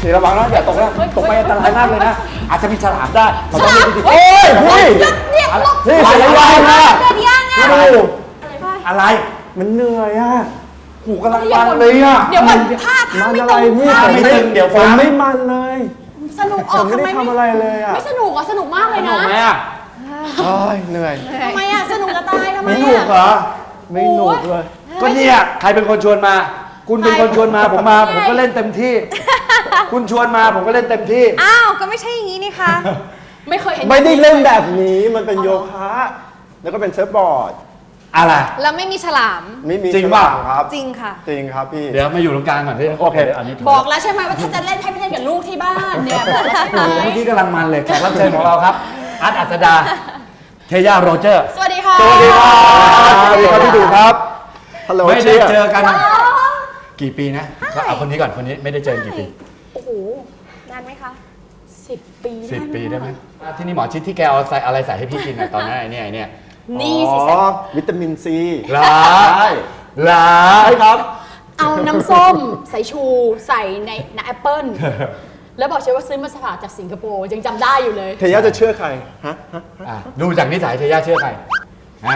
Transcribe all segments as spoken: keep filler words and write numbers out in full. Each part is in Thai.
สีระวังนะอย่าตกนะตกไปอันตรายมากเลยนะอาจจะมีฉลามได้เราต้องรีบโอ้ยพี่เนี่ยลบพี่สีระวังนะเกิดย่างอ่ะดูอะไรมันเหนื่อยอ่ะหูกำลังมันเลยอ่ะเดี๋ยวมันท่าทางมันไม่อะตไรรงพี่ท่าผมไม่ไม่ตรงเดี๋ยวผฟัมงไม่มันเลยสนุกอผอกมไม่ทำได้ไมทำอะไรเลยอ่ะไม่สนุกอ่ะสนุกมากเลยถูนะกไหมอ่ะโอ้ยเหนื่อยทำไมอ่ะสนุกจะตายทำไมไม่ถูกเหรอ่ะอไม่หนุกเลยก็เนี่ยใครเป็นคนชวนมา คุณเป็นคนชวนมาผมมาผมก็เล่นเต็มที่ คุณชวนมาผมก็เล่นเต็มที่อ้าวก็ไม่ใช่อย่างนี้นี่คะไม่เคยเห็นไม่ได้เล่นแบบนี้มันเป็นโยคะ แล้วก็เป็นเซิร์ฟบอร์ดอะไรแล้วไม่มีฉลามไม่มีจริงป่ะฉลามครับจริงค่ะจริงครับพี่เดี๋ยวมาอยู่ตรงกลางก่อนที่โอเคอันนี้ถูกบอกแล้วใช่ไหมว่าถ้าจะเล่นให้ไปเล่นกับลูกที่บ้านเนี่ยบอกแล้วใช่ไหมโอ้โหเมื่อกี้กำลังมันเลยแขกรับเชิญของเราครับอาร์ตอัศดาเทย่าโรเจอร์สวัสดีค่ะสวัสดีครับสวัสดีครับพี่ดูครับฮัลโหลไม่ได้เชียร์เจอกันกี่ปีนะก็เอาคนนี้ก่อนคนนี้ไม่ได้เจอกันกี่ปีโอ้โหนานไหมคะสิบปีสิบปีได้ไหมที่นี่หมอชิดที่แกเอาใส่อะไรใส่ให้พี่กินอะตอนนั้นไอ้เนี่ยไอ้เนี่ยนี่สิอ๋อวิตามินซีลาใช่ลาใช่ครับเอาน้ำส้มใส่ชูใส่ในในแอปเปิ้ลแล้วบอกเชฟว่าซื้อมาสลัดจากสิงคโปร์ยังจำได้อยู่เลยเทย่าจะเชื่อใครฮะฮะอ่ะดูจากนิสัยเทย่าเชื่อใครอ่า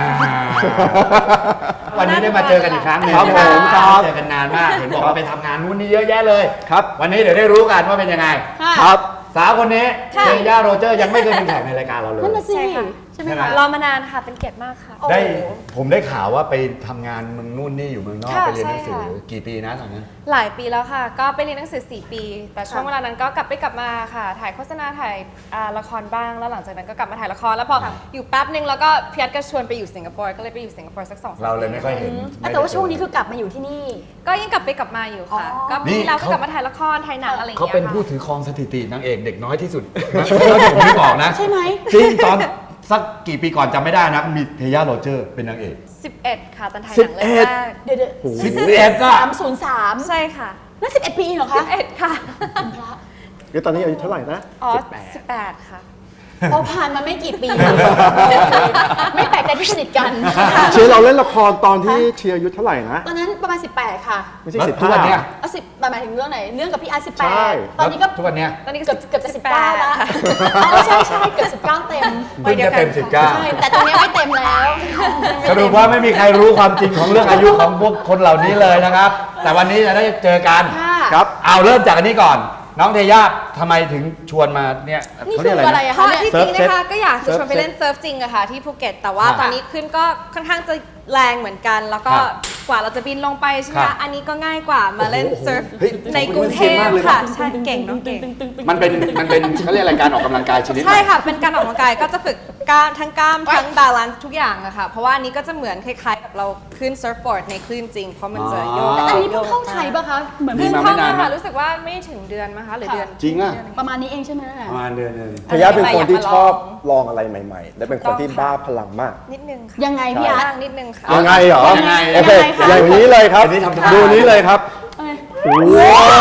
วันนี้ได้มาเจอกันอีกครั้งหนึงครับผมครับเจอกันนานมากเห็นบอกว่าไปทำงานนู้นนี่เยอะแยะเลยครับวันนี้เดี๋ยวได้รู้กันว่าเป็นยังไงค่ะครับสาวคนนี้ค่ะเทย่าโรเจอร์ยังไม่เคยเป็นแขกในรายการเราเลยนั่นน่ะสิใช่ค่ะใช่ไหมใช่ไหมคะรอมานานค่ะ เป็นเกียรติมากค่ะได้ผมได้ข่าวว่าไปทำงานเมืองนู่นนี่อยู่เมืองนอกค่ะไปเรียนหนังสือใช่ค่ะกี่ปีนะตอนนั้นหลายปีแล้วค่ะ ก็ไปเรียนหนังสือสี่ปี แต่ช่วงเวลานั้นก็กลับไปกลับมาค่ะ ถ่ายโฆษณาถ่ายอ่าละครบ้าง แล้วหลังจากนั้นก็กลับมาถ่ายละคร แล้วพออยู่แป๊บนึงแล้วก็พี่ยัดก็ชวนไปอยู่สิงคโปร์ ก็เลยไปอยู่สิงคโปร์สักสองสามเราเลยไม่ค่อยเห็นอ่ะแต่ว่าช่วงนี้คือกลับมาอยู่ที่นี่ก็ยังกลับไปกลับมาอยู่ค่ะอ๋อก็ปีที่แล้วก็กลับมาถ่ายละคร ถ่ายหนังอะไรอย่างเขาเงี้ยเป็นผู้ค่ะถือครองสถิตินางเอกเด็กน้อยที่สุดนะแล้วผมไม่บอกนะใช่ไหมจริงตอนสักกี่ปีก่อนจำไม่ได้นะมีเทย่าโรเจอร์เป็นนางเอกสิบเอ็ดค่ะ ตอนถ่ายหนังเรื่องแรกเดี๋ยวเดี๋ยวสิบเอ็ดก็สามศูนย์สามใช่ค่ะนั่นสิบเอ็ดปีเหรอคะสิบเอ็ดค่ะเดี๋ยวตอนนี้อายุเท่าไหร่นะอ๋อสิบแปดค่ะพอผ่านมาไม่กี่ปี ไม่แปลกใจที่สนิทกันเชียร์เราเล่นละครตอนที่เชียร์อายุเท่าไหร่นะตอนนั้นประมาณสิบแปดค่ะไม่ใช่แล้วสิบทุกห้าวันเนี้ยเอาสิบหมายถึงเรื่องไหน เรื่องกับพี่อาร์สิบแปใช่ดตอนนี้ก็ทุกวันเนี้ยตอนนี้ก็เกือบเกือบจะสิบสิบแปเก้าดแล้วค่ะอ๋อใช่ใช่เกือบสิบเก้าเต็มเพิ่งจะเต็มสิบเก้าใช่ แต่ตรงนี้ไม่เต็มแล้วสรุปว่าไม่มีใครรู้ความจริงของเรื่องอายุของพวกคนเหล่านี้เลยนะครับ แต่วันนี้จะได้เจอกันค่ะครับเอาเริ่มจากอันนี้ก่อน น้องเทย่าทำไมถึงชวนมาเนี่ยนี่เขาคืเรียกออะไรอะไรนะอะเพคะราะเนี่ยที่จริงเซิร์ฟนะคะก็อยากจะชวนไปเซิร์ฟเล่นเซิร์ฟจริงอะค่ะที่ภูเก็ต แต่ว่าค่ะตอนนี้ขึ้นก็ค่อนข้างจะแรงเหมือนกัน แล้วก็ค่ะกว่าเราจะบินลงไปใช่ไหมค่ะคะอันนี้ก็ง่ายกว่ามาเล่นโอ้โหเซิร์ฟเฮ้ยในกรุงเทพผมเป็นเซียนมากเลยนะค่ะใช่เก่งน้องเก่งมันเป็นมันเป็นเขาเรียกอะไรการออกกำลังกายชนิดไหนใช่ค่ะ เป็นการออกกำลังกายก็จะฝึกกล้ามทั้งกล้ามทั้งบาลานซ์ทุกอย่างอะค่ะ เพราะว่าอันนี้ก็จะเหมือนคล้ายๆกับเราขึ้นเซิร์ฟบอร์ดในคลื่นจริง เพราะมันจะโยกอันนี้เพิ่งเข้าไทยป่ะคะ เหมือนนี่เพิ่งมาเข้าไม่นานมาค่ะนะรู้สึกว่าไม่ถึงเดือนมั้งคะหรือเดือนจริงอะประมาณนี้เองใช่ไหมประมาณเดือนหนึงเทย่าเป็นคนที่อยากมาลองชอบลองอะไรใหม่ๆ และเป็นคนที่บ้าพลังมากนิดนึงค่ะยังไงพี่อาร์ตบ้างนิดนึงค่ะยังไงเหรอยังไงโอเคยังไงคะอย่างนี้เลยครับอันนี้ทำท่าดูนี้เลยครับเอ้ยว้าว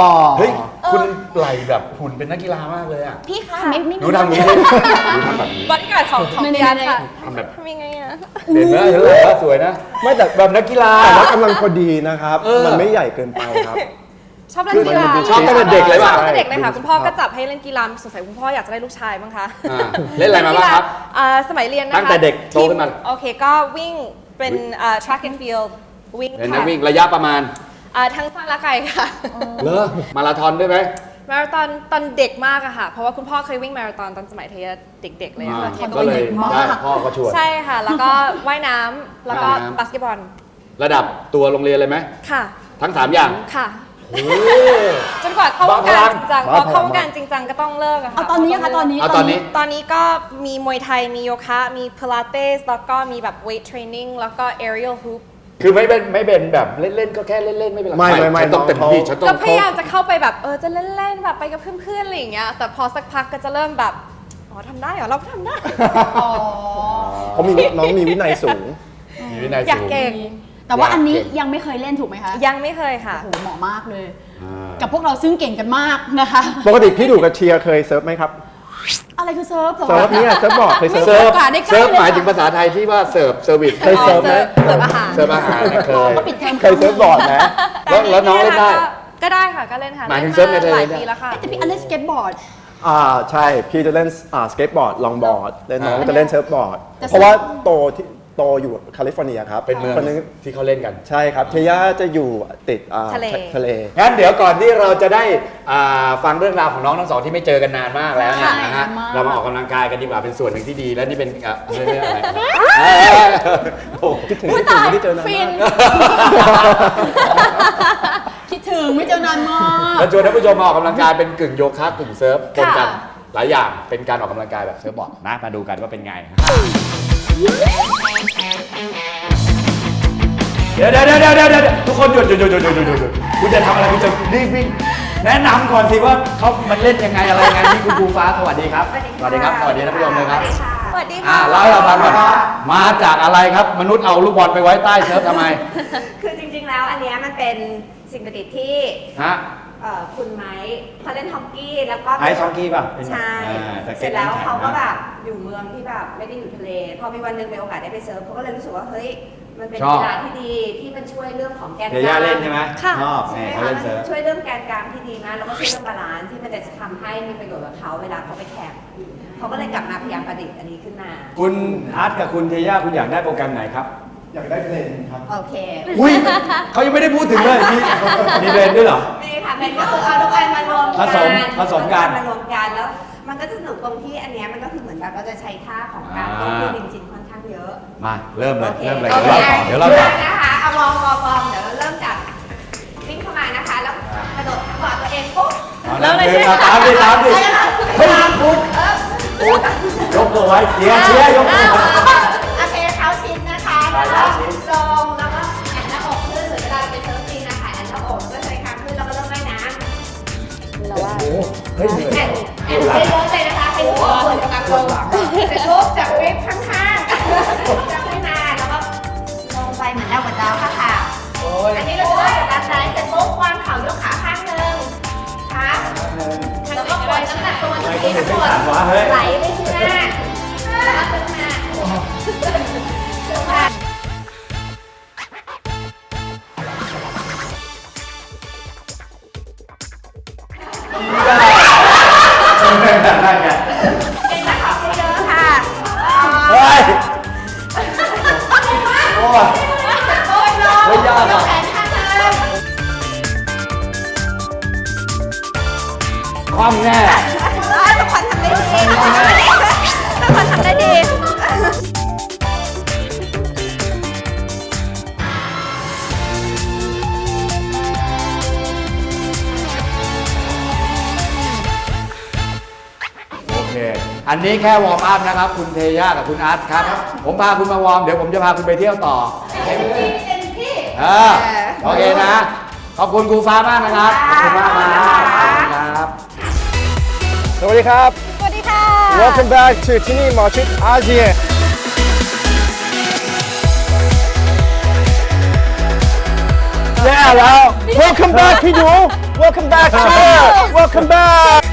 เฮ้ยคุณไหลแบบหุ่นเป็นนักกีฬามากเลยอ่ะพี่คะไม่ไม่หนูทำอย่างนี้หนูทำแบบนี้บริการดของของในพี่อาร์ตในค่ะทำแบบทำยังไงอะเห็นไหมเห็นไหมว่าสวยนะไม่แต่แบบนักกีฬาแต่ว่ากำลังพอดีนะครับเออมันไม่ใหญ่เกินไปครับชอบเล่นกีฬาชอบตั้งแต่เด็กเลยป่ะชอบตั้งแต่เด็กเลยค่ะใช่คุณพ่อก็จับให้เล่นกีฬาสงสัยคุณพ่ออยากจะได้ลูกชายมั้งคะอ่าเล่นอะไรมาบ้างครับอ่าสมัยเรียนนะคะตั้งแต่เด็กโตขึ้นมาทีโอเคก็วิ่งเป็นอ่า track and field วิ่งเป็นนัค่ะกวิ่งระยะประมาณอ่าทั้งสั้นและไกลค่ะเหรอมาราธอนด้วยไหมมาราธอนตอนเด็กมากอะค่ะ เพราะว่าคุณพ่อเคยวิ่งมาราธอนตอนสมัยเทยเด็กๆเลยอะค่ะอ่าเทยก็เลยได้พ่อก็ชวนใช่ค่ะ แล้วก็ว่ายน้ำแล้วก็ว่ายน้ำบาสเกตบอลระดับตัวโรงเรียนเลยไหมค่ะทั้งสามอย่างค่ะโอ้จนกว่าเข้าวงการจริงจังพบ้าอพลังเข้าวงการจริงจังก็ต้องเลิกอะค่ะเอาตอนนี้ค่ะตอนนี้เอาตอนนี้ตอนนี้ก็มีมวยไทย มีโยคะ มีพิลาเตส แล้วก็มีแบบ weight training แล้วก็ aerial hoop คือไม่เป็นไม่เป็นแบบเล่นๆก็แค่เล่นๆไม่เป็นไรไม่ไม่ไม่ฉันต้องเต็มที่ฉันต้อก็งพยายามจะเข้าไปแบบเออจะเล่นๆแบบไปกับเพื่อนๆอะไรอย่างเงี้ย แต่พอสักพักก็จะเริ่มแบบ อ๋อทำได้เหรอ เราก็ทำได้อ๋อเขามีน้องมีวินัยสูงมีวินัยอยากสูงเก่งแต่ว่าอันนี้ยังไม่เคยเล่นถูกไหมคะยังไม่เคยค่ะโอ้โหเหมาะมากเลยอ่ากับพวกเราซึ่งเก่งกันมากนะคะปกติพี่ดูกับเชียร์เคยเซิร์ฟไหมครับอะไรคือเซิร์ฟหรอเซิร์ฟเนี่ยเซิร์ฟบอร์ดเคยเซิร์ฟเซิร์ฟโอกาสได้ใกล้เซิร์ฟเลยหมายถึงภาษาไทยที่ว่าเสิร์ฟเซอร์วิสเคยเซิร์ฟไหมเสิร์ฟอาหารเสิร์ฟอาหารเนี่ยเคยก็ปิดเทอมเคยเซิร์ฟบอร์ดไหมแล้วแล้วน้องเล่นได้ก็ได้ค่ะก็เล่นค่ะหมายถึงล่นเซิร์ฟในทะเลหลายเนี่ยปีแล้วค่ะแต่พี่อันเล่นสเก็ตบอร์ดอ่าใช่พี่จะเล่นอ่าสเก็ตบอร์ดลองบอร์ดเล่นน้องอ่าจะเล่นเซิร์ฟบอร์ดจะเพราะว่าโตที่โตอยู่แคลิฟอร์เนียครับเป็นเมืองคนนึงที่เขาเล่นกันใช่ครับเทย่าจะอยู่ติดอ่าทะเลทะเลงั้นเดี๋ยวก่อนที่เราจะได้อ่าฟังเรื่องราวของน้องทั้งสองที่ไม่เจอกันนานมากแล้วเนี่ยใช่นะฮะนานมากเรามาออกกำลังกายกันดีกว่าเป็นส่วนหนึ่งที่ดี และนี่เป็นอ่ะไม่ไม่อะไรเอ้ยโอ้โหคิดถึงอุ๊ยคิดถึงตายไม่ได้เจอนานฟิมาน กคิดถึงไม่เจอนานมากแล้วชวนท่านผู้ชมมาออกกำลังกายเป็นกึ่งโยคะกึ่งเซิร์ฟปนกันค่ะหลายอย่างเป็นการออกกำลังกายแบบเซิร์ฟบอร์ดนะมาดูกันว่าเป็นไงเดี๋ยวเดี๋ยวเดี๋ยวเดี๋ยวเดี๋ยวทุกคนหยุดหยุดหยุดหยุดหยุดหยุดหยุดคุณจะทำอะไรคุณจะรีบวิ่งแนะนำก่อนสิว่าเขามันเล่นยังไงอะไรยังไงนี่คุณครูฟ้าสวัสดีครับสวัสดีครับสวัสดีท่านผู้ชมเลยครับสวัสดีอ่าค่ะเล่าให้เราฟังก่อนมาจากอะไรครับมนุษย์เอาลูกบอลไปไว้ใต้เซิร์ฟทำไมคือจริงๆ แล้วอันเนี้ยมันเป็นสิ่งประดิษฐ์ที่ฮะเอ่อคุณไม้เขาเล่นฮอกกี้แล้วก็ไอซ์ฮอกกี้ป่ะเป็นใช่อ่าสเสเก็ร็ตจแล้วน้ำข็งเขาก็นะแบบอยู่เมืองที่แบบไม่ได้อยู่ทะเล พอมีวันหนึงมีโอกาสได้ไปเซิร์ฟเขาก็เลยรู้สึกว่าเฮ้ยมันเป็นชอบกีฬาที่ดีที่มันช่วยเรื่องของแกนกเดี๋ยวลาย่าง เล่นใช่ไหมค่ะชอบใช่นี่ไหมเขาคะเล่นมันเซิร์ฟช่วยเรื่องแกนกลางที่ดีนะแล้วก็ช่วยเรื่องบาลานซ์ที่มันจะทำให้มีประโยชน์กับเขาเวลาเขาไปแข่งเขาก็เลยกลับมาพยายามประดิษฐ์อันนี้ขึ้นมาคุณอาร์ตกับคุณเทย่าคุณอยากได้โปรแกรมไหนครับอยากได้เพลงครับโอเคอุ้ยเขายังไม่ได้พูดถึงเลยมีมีเรนด้วยเหรอนี่ค่ะเป็นก็คือเอาทุกอันมารวมผสมผสมกันเอาทุอัมารวมกันแล้ว มันก็จะสนุกตรงที่อันเนี้ยมันก็คือเหมือนแบบเราจะใช้ท่าของการอ่าต้องพูดจริงๆค่อนข้างเยอะมาเริ่มเลยโอคเริ่มเลยโอเดี๋ยวเล่าต่อเดี๋ยวเล่าต่อนะคะเอาวอร์มวอร์มวอร์มเดี๋ยวเราเริ่มจากวิ่งเข้ามานะคะ แล้วกระโดดกอดตัวเองปุ๊บเริ่มเลยใช่ไหมตามดิตามดิเฮ้ยเฮ้ยคุณยกตัวไว้เชียร์เชียร์ยกตัวไว้โอเคเท้าชิดนะคะได้แล้วก็เท้าชิดตรงแล้วก็แอนหน้าอกขึ้นหรือเวลาเราไปเซิร์ฟจริงนะคะแอนหน้าอกก็ใช้คางขึ้นแล้วก็เริ่มว่ายน้ำเราว่าโอ้โหเฮ้ยเหนื่อยแอนแอนไปเริ่มเลยนะคะให้หัวส่วนกลางลงเสร็จปุ๊บจับเวฟข้างๆจับขึ้นมาแล้วก็ลงไปเหมือนดาวกับดาวค่ะค่ะโอ้ยอันนี้เราจะได้แบบซ้ายเสร็จปุ๊บวางเข่ายกขาข้างหนึ่งค่ะแล้วก็ปล่อยน้ำหนักตัวตรงนี้ทั้งหมดไหลไปข้างหน้าแล้วก็ขึ้นมาขึ้นมาได้ไงเก่งนะคะเยอะค่ะเฮ้ยโอ้ยโอ้ยลงเฮ้ยยากอะแขนข้างหนึ่งความแน่ทุกคนทำได้ดีทุกคนทำได้ดีโอเค อันนี้แค่วอร์มอัพนะครับ คุณเทย่ากับคุณอาร์ตครับ ผมพาคุณมาวอร์ม เดี๋ยวผมจะพาคุณไปเที่ยวต่อเต็มที่เต็มที่เออโอเคนะ ขอบคุณครูฟ้ามากนะครับ ขอบคุณมากครับขอบคุณครับสวัสดีครับสวัสดีค่ะ Welcome back to ที่นี่หมอชิดอาเซียนแย่แล้ว Welcome back พี่หนู Welcome back sir Welcome back